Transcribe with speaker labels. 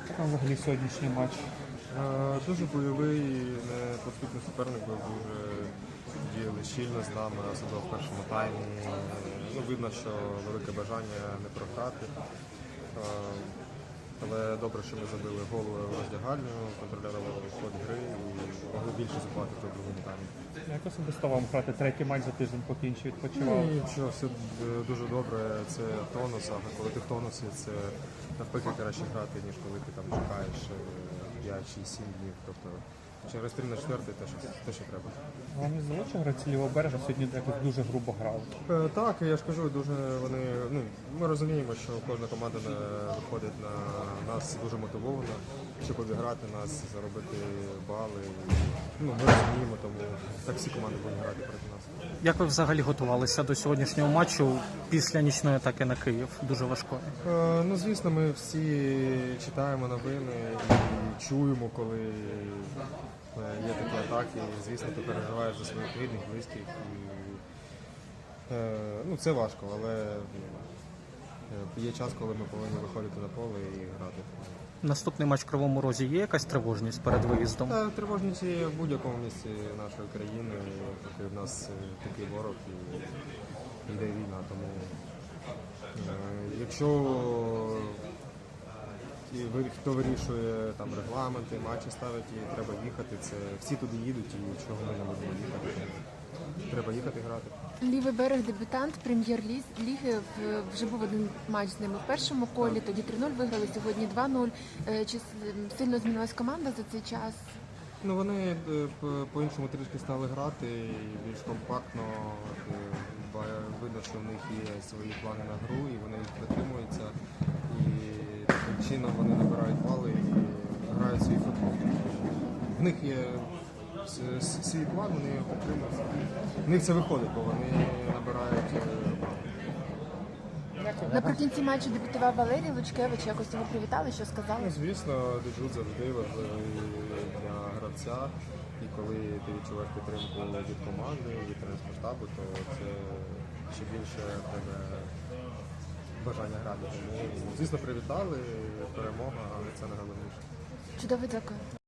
Speaker 1: Як вам взагалі сьогоднішній матч?
Speaker 2: Дуже бойовий, непоступний суперник, був дуже діяли щільно з нами, особливо в першому таймі. Видно, що велике бажання не програти. Але добре, що ми забили гол роздягальню, контролювали ход гри і могли більше забувати в другому таймі.
Speaker 1: Як особисто вам грати третій матч за тиждень, поки інші відпочивали?
Speaker 2: Нічого, все дуже добре, це тонус, а коли ти в тонусі, це навпаки краще грати, ніж коли ти там чекаєш 5 чи 7 днів. Тобто через 3 на 4 те, що треба.
Speaker 1: Вам не здалося, що гравці лівого берега сьогодні якось дуже грубо грали?
Speaker 2: Так, я ж кажу, дуже вони. Ми розуміємо, що кожна команда виходить на нас дуже мотивована, щоб обіграти нас, заробити бали. Ми розуміємо, тому так всі команди будуть грати проти нас.
Speaker 3: Як ви взагалі готувалися до сьогоднішнього матчу після нічної атаки на Київ? Дуже важкої.
Speaker 2: Звісно, ми всі читаємо новини і чуємо, коли є такі атаки. Звісно, ти переживаєш за своїх рідних, близьких. Це важко, але є час, коли ми повинні виходити на поле і грати.
Speaker 3: Наступний матч в Кривому Розі є якась тривожність перед виїздом?
Speaker 2: Тривожність є в будь-якому місці нашої країни, поки в нас такий ворог і йде війна. Тому якщо хто вирішує там регламенти, матчі ставить, і треба їхати, це всі туди їдуть, і чого ми не будемо їхати. Треба їхати грати.
Speaker 4: Лівий берег дебютант прем'єр-ліги. Вже був один матч з ними в першому колі, тоді 3-0 виграли, сьогодні 2-0. Чи сильно змінилась команда за цей час?
Speaker 2: Вони по-іншому трішки стали грати, більш компактно. Видно, що в них є свої плани на гру, і вони їх притримуються. І таким чином вони набирають бали і грають свій футбол. В них є свій план, вони його підтримують. В них це виходить, бо вони набирають бали.
Speaker 4: Наприкінці матчу дебютував Валерій Лучкевич. Якось його привітали, що сказали?
Speaker 2: Звісно, дебют завжди важливий для гравця. І коли ти відчуваєш підтримку від команди, від тренерського штабу, то це ще більше в тебе бажання грати. Тому, звісно, привітали, перемога, але це найголовніше.
Speaker 4: Чудово, дякую.